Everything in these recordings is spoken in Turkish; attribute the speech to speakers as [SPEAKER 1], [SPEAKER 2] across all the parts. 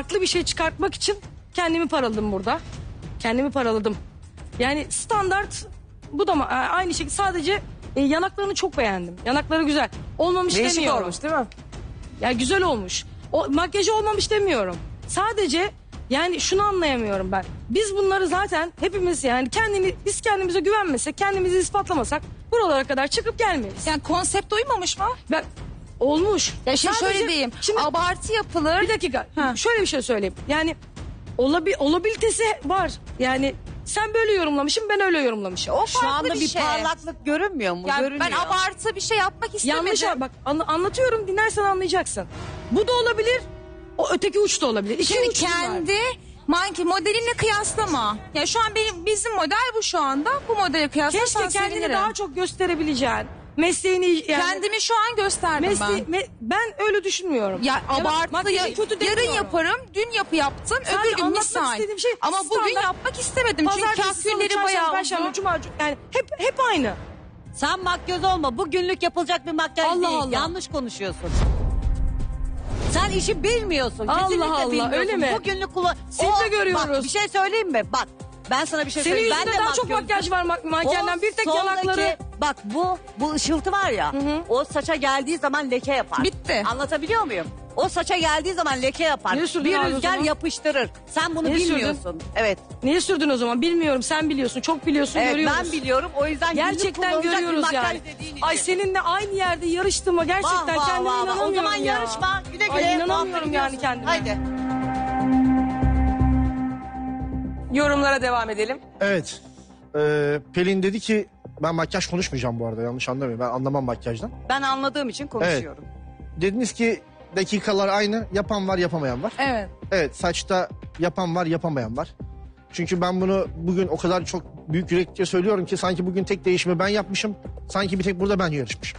[SPEAKER 1] farklı bir şey çıkartmak için kendimi paraladım burada. Kendimi paraladım. Yani standart bu da aynı şekilde, sadece yanaklarını çok beğendim. Yanakları güzel. Olmamış
[SPEAKER 2] Değişik
[SPEAKER 1] demiyorum.
[SPEAKER 2] olmuş değil mi?
[SPEAKER 1] Ya güzel olmuş. O makyajı olmamış demiyorum. Sadece yani şunu anlayamıyorum ben. Biz bunları zaten hepimiz, yani biz kendimize güvenmesek, kendimizi ispatlamasak buralara kadar çıkıp gelmeyiz.
[SPEAKER 3] Yani konsept uymamış mı?
[SPEAKER 1] Ben olmuş.
[SPEAKER 3] Ya şimdi
[SPEAKER 1] Sadece-
[SPEAKER 3] şöyle diyeyim.
[SPEAKER 1] Şimdi
[SPEAKER 3] Abartı yapılır.
[SPEAKER 1] bir dakika.
[SPEAKER 3] Ha.
[SPEAKER 1] Şöyle bir şey söyleyeyim. Yani olabilitesi var. Yani sen böyle yorumlamışsın, ben öyle yorumlamışım.
[SPEAKER 3] O
[SPEAKER 4] Şu
[SPEAKER 3] farklı
[SPEAKER 4] anda bir
[SPEAKER 3] şey.
[SPEAKER 4] parlaklık görünmüyor mu?
[SPEAKER 3] Yani
[SPEAKER 4] Görünüyor.
[SPEAKER 3] ben abartı bir şey yapmak istemedim.
[SPEAKER 1] Yanlış bak, anlatıyorum, dinlersen anlayacaksın. Bu da olabilir. O öteki uç da olabilir. İki
[SPEAKER 3] Şimdi
[SPEAKER 1] uç var.
[SPEAKER 3] kendi manki modelinle kıyaslama. Ya şu an bizim model bu şu anda. Bu modele kıyaslarsan
[SPEAKER 1] Keşke kendini
[SPEAKER 3] sevinirim.
[SPEAKER 1] daha çok gösterebileceğin. Mesleğini yani.
[SPEAKER 3] Kendimi şu an gösterdim ben.
[SPEAKER 1] Ben öyle düşünmüyorum.
[SPEAKER 3] Ya abartı
[SPEAKER 1] makyajı kötü
[SPEAKER 3] yarın
[SPEAKER 1] demiyorum.
[SPEAKER 3] yaparım, dün yaptım,
[SPEAKER 1] Sadece
[SPEAKER 3] öbür gün
[SPEAKER 1] anlatmak
[SPEAKER 3] misal.
[SPEAKER 1] istediğim şey
[SPEAKER 3] Ama bugün
[SPEAKER 1] standart.
[SPEAKER 3] yapmak istemedim çünkü
[SPEAKER 1] Pazartesi, salı,
[SPEAKER 3] kahkülleri
[SPEAKER 1] çarşamba,
[SPEAKER 3] bayağı
[SPEAKER 1] perşembe,
[SPEAKER 3] uzun.
[SPEAKER 1] cuma, yani hep aynı.
[SPEAKER 4] Sen makyöz olma. Bu günlük yapılacak bir makyaj
[SPEAKER 1] Allah
[SPEAKER 4] değil.
[SPEAKER 1] Allah.
[SPEAKER 4] Yanlış konuşuyorsun. Sen işi bilmiyorsun.
[SPEAKER 1] Allah
[SPEAKER 4] Kesinlikle
[SPEAKER 1] Allah,
[SPEAKER 4] bilmiyorsun.
[SPEAKER 1] öyle mi?
[SPEAKER 4] Bu günlük kullan...
[SPEAKER 1] Siz de görüyoruz.
[SPEAKER 4] Bak bir şey söyleyeyim mi? Bak ben sana bir şey
[SPEAKER 1] Senin
[SPEAKER 4] söyleyeyim.
[SPEAKER 1] yüzünde
[SPEAKER 4] Ben de
[SPEAKER 1] daha çok
[SPEAKER 4] makyöz-
[SPEAKER 1] makyaj var mankenden. Bir tek
[SPEAKER 4] soldaki-
[SPEAKER 1] yanakları.
[SPEAKER 4] Bak bu ışıltı var ya. O saça geldiği zaman leke yapar.
[SPEAKER 3] Bitti.
[SPEAKER 4] Anlatabiliyor muyum? O saça geldiği zaman leke yapar.
[SPEAKER 1] Niye sürdün
[SPEAKER 4] Bir
[SPEAKER 1] abi o
[SPEAKER 4] rüzgar
[SPEAKER 1] zaman?
[SPEAKER 4] yapıştırır. Sen bunu
[SPEAKER 1] Niye sürdün?
[SPEAKER 4] bilmiyorsun. Evet.
[SPEAKER 1] Niye sürdün o zaman? Bilmiyorum, sen biliyorsun. Çok biliyorsun,
[SPEAKER 4] Evet
[SPEAKER 1] görüyoruz.
[SPEAKER 4] ben biliyorum. O yüzden günlük
[SPEAKER 1] Gerçekten
[SPEAKER 4] kullanılacak bir
[SPEAKER 1] görüyoruz
[SPEAKER 4] makyaj
[SPEAKER 1] yani.
[SPEAKER 4] dediğin
[SPEAKER 1] Ay
[SPEAKER 4] için.
[SPEAKER 1] seninle aynı yerde yarıştığıma gerçekten
[SPEAKER 4] Vah, vah,
[SPEAKER 1] kendime
[SPEAKER 4] vah, vah.
[SPEAKER 1] inanamıyorum
[SPEAKER 4] O zaman
[SPEAKER 1] ya.
[SPEAKER 4] yarışma. Güle güle.
[SPEAKER 1] Ay
[SPEAKER 4] Muhabbet
[SPEAKER 1] inanamıyorum yani
[SPEAKER 4] ediyorsun.
[SPEAKER 1] kendime.
[SPEAKER 4] Haydi.
[SPEAKER 2] Yorumlara devam edelim.
[SPEAKER 5] Evet. Pelin dedi ki ben makyaj konuşmayacağım bu arada, yanlış anlamayın. Ben anlamam makyajdan.
[SPEAKER 4] Ben anladığım için konuşuyorum.
[SPEAKER 5] Dediniz ki dakikalar aynı, yapan var yapamayan var.
[SPEAKER 3] Evet.
[SPEAKER 5] Evet, saçta yapan var yapamayan var. Çünkü ben bunu bugün o kadar çok büyük yürekle söylüyorum ki sanki bugün tek değişimi ben yapmışım. Sanki bir tek burada ben yarışmışım.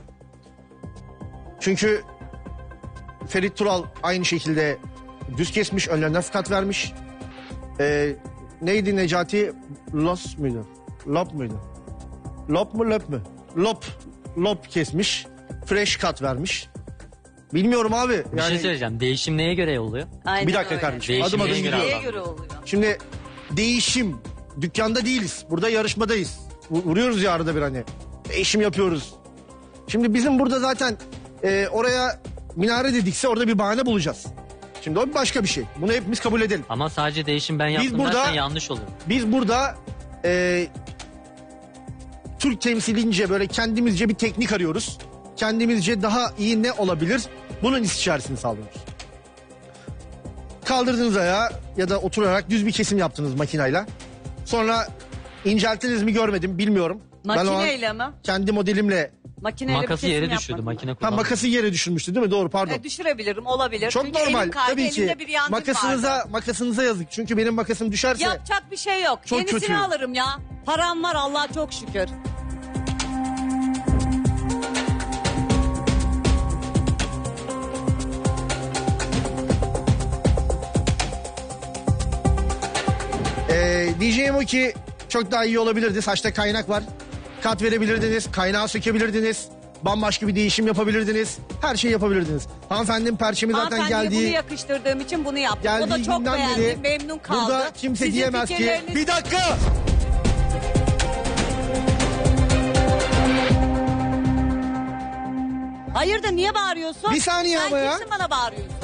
[SPEAKER 5] Çünkü Ferit Tural aynı şekilde düz kesmiş, önlerine fıkat vermiş. Neydi Necati? Los muydu? Lop muydu? Lop mu löp mü? Lop kesmiş. Fresh cut vermiş. Bilmiyorum abi.
[SPEAKER 6] Bir şey söyleyeceğim. Değişim neye göre oluyor?
[SPEAKER 4] Aynen
[SPEAKER 5] Bir dakika
[SPEAKER 4] öyle.
[SPEAKER 5] kardeşim.
[SPEAKER 6] Değişim
[SPEAKER 5] Adım adım
[SPEAKER 6] neye göre
[SPEAKER 5] gidiyor.
[SPEAKER 4] Neye göre oluyor?
[SPEAKER 5] Şimdi değişim. Dükkanda değiliz. Burada yarışmadayız. Vuruyoruz ya arada bir hani. Değişim yapıyoruz. Şimdi bizim burada zaten oraya minare dedikse orada bir bahane bulacağız. Şimdi o başka bir şey. Bunu hepimiz kabul edelim.
[SPEAKER 6] Ama sadece değişim ben yaptım
[SPEAKER 5] burada-
[SPEAKER 6] dersen yanlış olur.
[SPEAKER 5] Biz burada Türk temsilince böyle kendimizce bir teknik arıyoruz. Kendimizce daha iyi ne olabilir? Bunun istişaresini sağlıyoruz. Kaldırdınız ayağı ya da oturarak düz bir kesim yaptınız makinayla. Sonra incelttiniz mi görmedim, bilmiyorum. Ben o an
[SPEAKER 4] Makineyle mi?
[SPEAKER 5] kendi modelimle
[SPEAKER 4] Makineyle bir
[SPEAKER 6] Makası
[SPEAKER 4] kesim
[SPEAKER 6] yere
[SPEAKER 4] yapmadım.
[SPEAKER 6] düşürdü. Makine
[SPEAKER 5] ha,
[SPEAKER 6] kullanmadı.
[SPEAKER 5] makası yere düşürmüştü değil mi? Doğru, pardon.
[SPEAKER 4] Düşürebilirim, olabilir.
[SPEAKER 5] Çok
[SPEAKER 4] Çünkü
[SPEAKER 5] normal
[SPEAKER 4] elim kaydı,
[SPEAKER 5] tabii ki.
[SPEAKER 4] elimde bir yangın vardı.
[SPEAKER 5] Makasınıza yazık. Çünkü benim makasım düşerse
[SPEAKER 4] Yapacak bir şey yok.
[SPEAKER 5] Çok
[SPEAKER 4] Yenisini
[SPEAKER 5] kötü.
[SPEAKER 4] alırım ya. Param var Allah'a çok şükür.
[SPEAKER 5] diyeceğim o ki çok daha iyi olabilirdi. Saçta kaynak var. Kat verebilirdiniz. Kaynağı sökebilirdiniz. Bambaşka bir değişim yapabilirdiniz. Her şeyi yapabilirdiniz. Hanımefendinin perçemi zaten
[SPEAKER 4] Hanımefendiye bunu
[SPEAKER 5] geldiği...
[SPEAKER 4] yakıştırdığım için bunu yaptım. O da
[SPEAKER 5] Geldiği
[SPEAKER 4] çok
[SPEAKER 5] günden
[SPEAKER 4] beğendi,
[SPEAKER 5] beri
[SPEAKER 4] memnun kaldı.
[SPEAKER 5] burada kimse
[SPEAKER 4] Sizin
[SPEAKER 5] diyemez ki...
[SPEAKER 4] fikirleriniz-
[SPEAKER 5] Bir dakika!
[SPEAKER 4] Hayırdır niye bağırıyorsun?
[SPEAKER 5] Bir saniye
[SPEAKER 4] Sen
[SPEAKER 5] ama ya.
[SPEAKER 4] kimsin bana bağırıyorsun?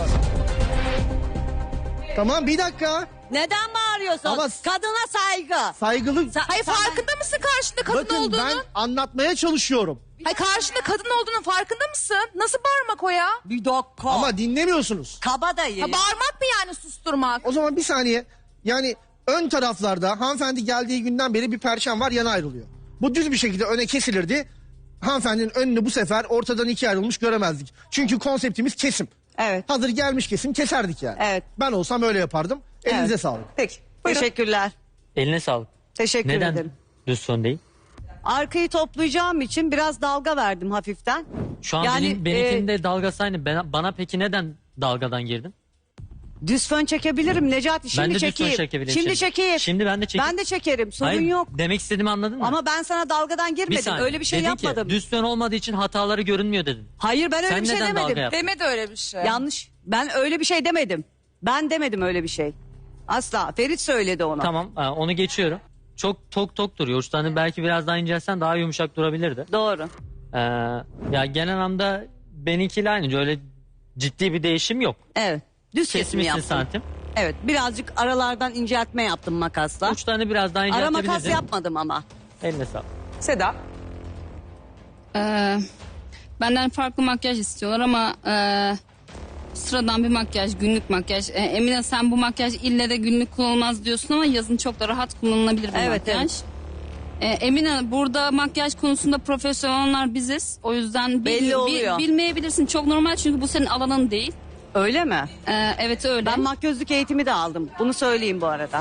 [SPEAKER 5] Tamam bir dakika.
[SPEAKER 4] Neden bağırıyorsun?
[SPEAKER 5] Ama-
[SPEAKER 4] Kadına saygı.
[SPEAKER 5] Saygılı...
[SPEAKER 3] Hayır farkında mısın karşında kadın
[SPEAKER 5] Bakın
[SPEAKER 3] olduğunu?
[SPEAKER 5] ben anlatmaya çalışıyorum.
[SPEAKER 3] Hayır karşında kadın olduğunun farkında mısın? Nasıl bağırmak o ya?
[SPEAKER 4] Bir dakika.
[SPEAKER 5] Ama dinlemiyorsunuz.
[SPEAKER 4] Kabadayı.
[SPEAKER 3] Ha, bağırmak mı yani susturmak?
[SPEAKER 5] O zaman bir saniye. Yani ön taraflarda hanımefendi geldiği günden beri bir perçem var, yana ayrılıyor. Bu düz bir şekilde öne kesilirdi. Hanımefendinin önünü bu sefer ortadan ikiye ayrılmış göremezdik. Çünkü konseptimiz kesim.
[SPEAKER 4] Evet.
[SPEAKER 5] Hazır gelmiş kesim keserdik yani.
[SPEAKER 4] Evet.
[SPEAKER 5] Ben olsam öyle yapardım. Elinize
[SPEAKER 4] Evet.
[SPEAKER 5] sağlık.
[SPEAKER 4] Peki. Teşekkürler.
[SPEAKER 6] Eline sağlık.
[SPEAKER 4] Teşekkür
[SPEAKER 6] Neden
[SPEAKER 4] ederim.
[SPEAKER 6] düz fön değil?
[SPEAKER 4] Arkayı toplayacağım için biraz dalga verdim hafiften.
[SPEAKER 6] Şu an
[SPEAKER 4] Yani,
[SPEAKER 6] benimkinde dalgası aynı. Bana peki neden dalgadan girdin?
[SPEAKER 4] Düz fön çekebilirim Necati. Şimdi
[SPEAKER 6] ben de düz
[SPEAKER 4] çekeyim.
[SPEAKER 6] fön çekebilirim.
[SPEAKER 4] Şimdi çekeyim.
[SPEAKER 6] Şimdi ben de çekeyim.
[SPEAKER 4] Ben de çekerim. Sorun
[SPEAKER 6] Hayır,
[SPEAKER 4] yok.
[SPEAKER 6] Demek istediğimi anladın mı?
[SPEAKER 4] Ama ben sana dalgadan
[SPEAKER 6] bir
[SPEAKER 4] girmedim.
[SPEAKER 6] saniye.
[SPEAKER 4] Öyle bir şey
[SPEAKER 6] Dedin
[SPEAKER 4] yapmadım.
[SPEAKER 6] Ki, düz fön olmadığı için hataları görünmüyor dedin.
[SPEAKER 4] Hayır ben öyle
[SPEAKER 6] Sen
[SPEAKER 4] bir şey
[SPEAKER 6] neden dalga
[SPEAKER 4] demedim.
[SPEAKER 6] yaptın?
[SPEAKER 3] Demedi öyle bir şey.
[SPEAKER 4] Yanlış. Ben öyle bir şey demedim. Ben demedim öyle bir şey. Asla. Ferit söyledi onu.
[SPEAKER 6] Tamam onu geçiyorum. Çok tok duruyor. Uçlarını belki biraz daha incelsen daha yumuşak durabilirdi.
[SPEAKER 4] Doğru.
[SPEAKER 6] Ya genel anlamda benimkiyle aynı. Öyle ciddi bir değişim yok.
[SPEAKER 4] Evet. Düz kesimi
[SPEAKER 6] Kesmişsin
[SPEAKER 4] yaptım.
[SPEAKER 6] santim.
[SPEAKER 4] Evet. Birazcık aralardan inceltme yaptım makasla.
[SPEAKER 6] Uçlarını biraz daha
[SPEAKER 4] Ara
[SPEAKER 6] inceltebilirdin.
[SPEAKER 4] makas yapmadım ama.
[SPEAKER 6] Eline sağlık.
[SPEAKER 2] Seda.
[SPEAKER 7] Benden farklı makyaj istiyorlar ama sıradan bir makyaj, günlük makyaj. Emine sen bu makyaj ille de günlük kullanılmaz diyorsun ama yazın çok da rahat kullanılabilir bir
[SPEAKER 4] Evet,
[SPEAKER 7] makyaj. Emine burada makyaj konusunda profesyoneller biziz. O yüzden
[SPEAKER 4] Belli oluyor.
[SPEAKER 7] bilmeyebilirsin. Çok normal çünkü bu senin alanın değil.
[SPEAKER 4] Öyle mi?
[SPEAKER 7] Evet öyle.
[SPEAKER 4] Ben makyözlük eğitimi de aldım. Bunu söyleyeyim bu arada.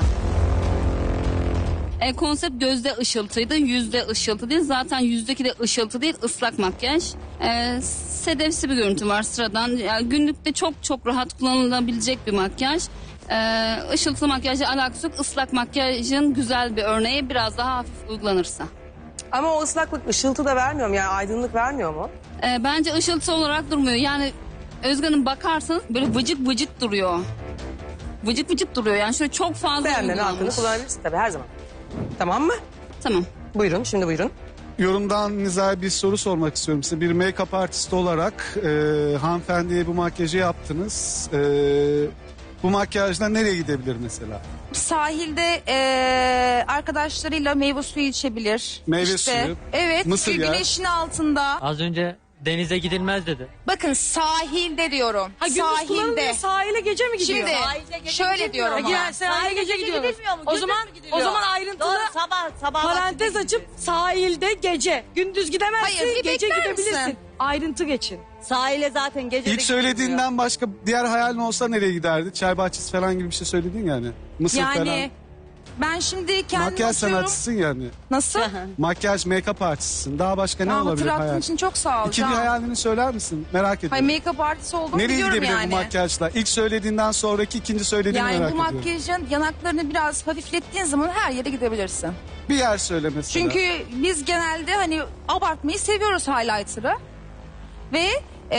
[SPEAKER 7] Konsept gözde ışıltıydı, yüzde ışıltı değil. Zaten yüzdeki de ışıltı değil, ıslak makyaj. Sedefsi bir görüntü var sıradan. Yani günlükte çok rahat kullanılabilecek bir makyaj. Işıltılı makyajla alakası yok. Islak makyajın güzel bir örneği biraz daha hafif uygulanırsa.
[SPEAKER 2] Ama o ıslaklık ışıltı da vermiyor mu? Yani aydınlık vermiyor mu?
[SPEAKER 7] Bence ışıltı olarak durmuyor. Yani Özgan'ın bakarsanız böyle vıcık vıcık duruyor. Vıcık vıcık duruyor yani şöyle çok fazla
[SPEAKER 2] Beğenmenin hakkını
[SPEAKER 7] uygulanmış.
[SPEAKER 2] kullanabilirsin tabii her zaman. Tamam mı?
[SPEAKER 7] Tamam.
[SPEAKER 2] Buyurun, şimdi buyurun.
[SPEAKER 8] Yorumdan Niza'ya bir soru sormak istiyorum size. Bir make-up artisti olarak hanımefendiye bu makyajı yaptınız. Bu makyajla nereye gidebilir mesela?
[SPEAKER 3] Sahilde arkadaşlarıyla meyve suyu içebilir.
[SPEAKER 8] Meyve suyu,
[SPEAKER 3] Evet.
[SPEAKER 8] mısır
[SPEAKER 3] çünkü
[SPEAKER 8] yağı.
[SPEAKER 3] güneşin altında.
[SPEAKER 6] Az önce denize gidilmez dedi.
[SPEAKER 3] Bakın sahilde diyorum.
[SPEAKER 1] Ha, gündüz kullanılmıyor, sahile gece mi gidiyor?
[SPEAKER 3] Şimdi şöyle diyorum ama.
[SPEAKER 1] Ya, sahile gece gidiyoruz.
[SPEAKER 4] gidilmiyor mu?
[SPEAKER 1] O
[SPEAKER 4] Gündüz
[SPEAKER 1] zaman
[SPEAKER 4] mü gidiliyor?
[SPEAKER 1] o zaman ayrıntılı
[SPEAKER 4] Doğru, sabah
[SPEAKER 1] parantez
[SPEAKER 4] vaktinde
[SPEAKER 1] açıp sahilde gece. Gündüz gidemezsin,
[SPEAKER 3] Hayır, bir
[SPEAKER 1] gece
[SPEAKER 3] bekler
[SPEAKER 1] gidebilirsin.
[SPEAKER 3] misin?
[SPEAKER 1] Ayrıntı geçin.
[SPEAKER 4] Sahile zaten gece de
[SPEAKER 8] İlk
[SPEAKER 4] gidilmiyor.
[SPEAKER 8] söylediğinden başka diğer hayalin olsa nereye giderdi? Çay bahçesi falan gibi bir şey söyledin yani. Mısır
[SPEAKER 3] Yani
[SPEAKER 8] falan.
[SPEAKER 3] ben şimdi kendimi
[SPEAKER 8] Makyaj
[SPEAKER 3] atıyorum.
[SPEAKER 8] sanatçısın yani.
[SPEAKER 3] Nasıl?
[SPEAKER 8] Makyaj, make-up artistisin. Daha başka ne
[SPEAKER 3] Aa,
[SPEAKER 8] olabilir
[SPEAKER 3] hatırlattığın
[SPEAKER 8] hayal?
[SPEAKER 3] için çok sağ ol.
[SPEAKER 8] İkinci
[SPEAKER 3] Can.
[SPEAKER 8] hayalini söyler misin? Merak ediyorum.
[SPEAKER 3] Hayır make-up artist olduğumu
[SPEAKER 8] Nereye
[SPEAKER 3] biliyorum
[SPEAKER 8] gidebilir
[SPEAKER 3] yani.
[SPEAKER 8] bu makyajla? İlk söylediğinden sonraki ikinci söylediğini
[SPEAKER 3] Yani
[SPEAKER 8] merak
[SPEAKER 3] bu
[SPEAKER 8] ediyorum.
[SPEAKER 3] makyajın yanaklarını biraz hafiflettiğin zaman her yere gidebilirsin.
[SPEAKER 8] Bir yer söyle mesela.
[SPEAKER 3] Çünkü biz genelde hani abartmayı seviyoruz highlighter'ı. Ve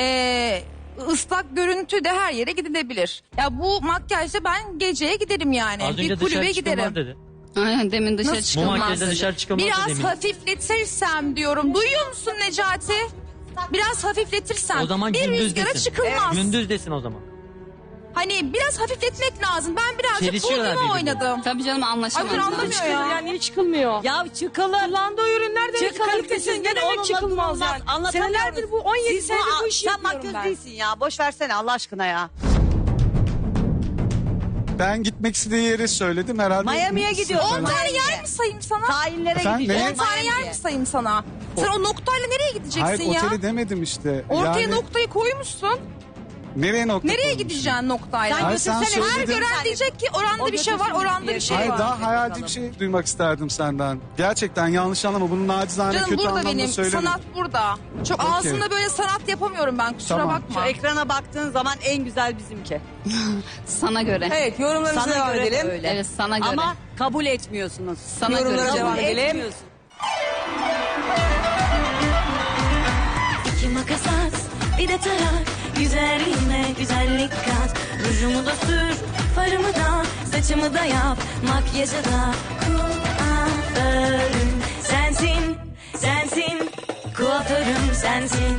[SPEAKER 3] ıslak görüntü de her yere gidilebilir. Ya bu makyajda ben geceye giderim yani.
[SPEAKER 6] Az
[SPEAKER 3] Bir
[SPEAKER 6] önce
[SPEAKER 3] kulübe
[SPEAKER 6] dışarı çıkılmaz
[SPEAKER 3] giderim.
[SPEAKER 6] dedi.
[SPEAKER 7] Aynen demin dışarı
[SPEAKER 3] Nasıl?
[SPEAKER 6] Bu
[SPEAKER 7] çıkılmaz.
[SPEAKER 6] makyajda
[SPEAKER 7] dedi.
[SPEAKER 6] dışarı çıkılmaz dedi
[SPEAKER 3] Biraz
[SPEAKER 6] eminim.
[SPEAKER 3] hafifletirsem diyorum. Duyuyor musun Necati? Biraz hafifletirsem.
[SPEAKER 6] O zaman
[SPEAKER 3] bir
[SPEAKER 6] gündüz
[SPEAKER 3] rüzgara
[SPEAKER 6] desin.
[SPEAKER 3] çıkılmaz.
[SPEAKER 6] Gündüz desin o zaman.
[SPEAKER 3] Hani biraz hafifletmek lazım. Ben birazcık
[SPEAKER 6] Çelişiyorlar
[SPEAKER 3] podyuma
[SPEAKER 6] birbirine.
[SPEAKER 3] oynadım.
[SPEAKER 7] Tabii canım
[SPEAKER 3] Ay,
[SPEAKER 7] anlaşamaz.
[SPEAKER 3] dur, anlamıyor
[SPEAKER 1] Çıkılır
[SPEAKER 3] ya.
[SPEAKER 1] yani niye çıkılmıyor?
[SPEAKER 4] Ya çıkılır.
[SPEAKER 1] Kullandığı ürünler demek
[SPEAKER 4] Çıkılır
[SPEAKER 1] kalitesiz.
[SPEAKER 4] kesin.
[SPEAKER 1] Ne demek
[SPEAKER 4] Onunla
[SPEAKER 1] çıkılmaz
[SPEAKER 4] durulmaz.
[SPEAKER 1] yani?
[SPEAKER 4] Anlatamıyoruz.
[SPEAKER 1] Senelerdir bu 17
[SPEAKER 4] Siz
[SPEAKER 1] senedir bu işi
[SPEAKER 4] sen
[SPEAKER 1] yapıyorum
[SPEAKER 4] makyöz
[SPEAKER 1] ben.
[SPEAKER 4] değilsin ya. Boş versene Allah aşkına ya.
[SPEAKER 8] Ben gitmek istediği yeri söyledim herhalde.
[SPEAKER 4] Miami'ye
[SPEAKER 8] Mısır
[SPEAKER 4] gidiyor.
[SPEAKER 8] falan.
[SPEAKER 3] 10 tane yer mi sayayım sana?
[SPEAKER 4] Sahillere
[SPEAKER 8] Efendim,
[SPEAKER 4] gideceğiz.
[SPEAKER 8] ne?
[SPEAKER 3] 10 tane yer mi sayayım sana? Sen o noktayla nereye gideceksin
[SPEAKER 8] Hayır
[SPEAKER 3] ya?
[SPEAKER 8] oteli demedim işte.
[SPEAKER 3] Ortaya
[SPEAKER 8] Yani
[SPEAKER 3] noktayı koymuşsun.
[SPEAKER 8] nereye nokta
[SPEAKER 3] Nereye
[SPEAKER 8] koymuşum?
[SPEAKER 3] gideceksin noktayla?
[SPEAKER 8] Hayır, sen
[SPEAKER 4] götürsene.
[SPEAKER 3] Her
[SPEAKER 8] söyledin.
[SPEAKER 3] gören diyecek ki oranda
[SPEAKER 4] O
[SPEAKER 3] bir şey var,
[SPEAKER 4] götürsün
[SPEAKER 3] oranda
[SPEAKER 4] diye.
[SPEAKER 3] bir şey
[SPEAKER 8] Hayır
[SPEAKER 3] var.
[SPEAKER 8] daha hayalci bir şey duymak isterdim senden. Gerçekten yanlış anlama. Bunu nacizane
[SPEAKER 3] Canım
[SPEAKER 8] kötü
[SPEAKER 3] burada
[SPEAKER 8] anlamda
[SPEAKER 3] benim,
[SPEAKER 8] söylemedim.
[SPEAKER 3] sanat burada. Çok
[SPEAKER 8] Okey.
[SPEAKER 3] ağzımda böyle sanat yapamıyorum ben, kusura
[SPEAKER 8] Tamam.
[SPEAKER 3] bakma.
[SPEAKER 4] Şu ekrana baktığın zaman en güzel bizimki.
[SPEAKER 7] Sana göre.
[SPEAKER 2] Evet, yorumlarımıza
[SPEAKER 4] Sana
[SPEAKER 2] devam
[SPEAKER 4] göre
[SPEAKER 2] edelim.
[SPEAKER 4] öyle.
[SPEAKER 7] Evet sana göre.
[SPEAKER 4] Ama kabul etmiyorsunuz.
[SPEAKER 7] sana
[SPEAKER 2] yorumlara
[SPEAKER 7] göre.
[SPEAKER 2] devam
[SPEAKER 4] Kabul
[SPEAKER 2] edelim.
[SPEAKER 4] etmiyorsun.
[SPEAKER 9] İki makas at, bir de tarak. Güzelliğime güzellik kat. Rujumu da sür, farımı da, saçımı da yap. Makyajı da kuaförüm sensin, sensin. Kuaförüm sensin.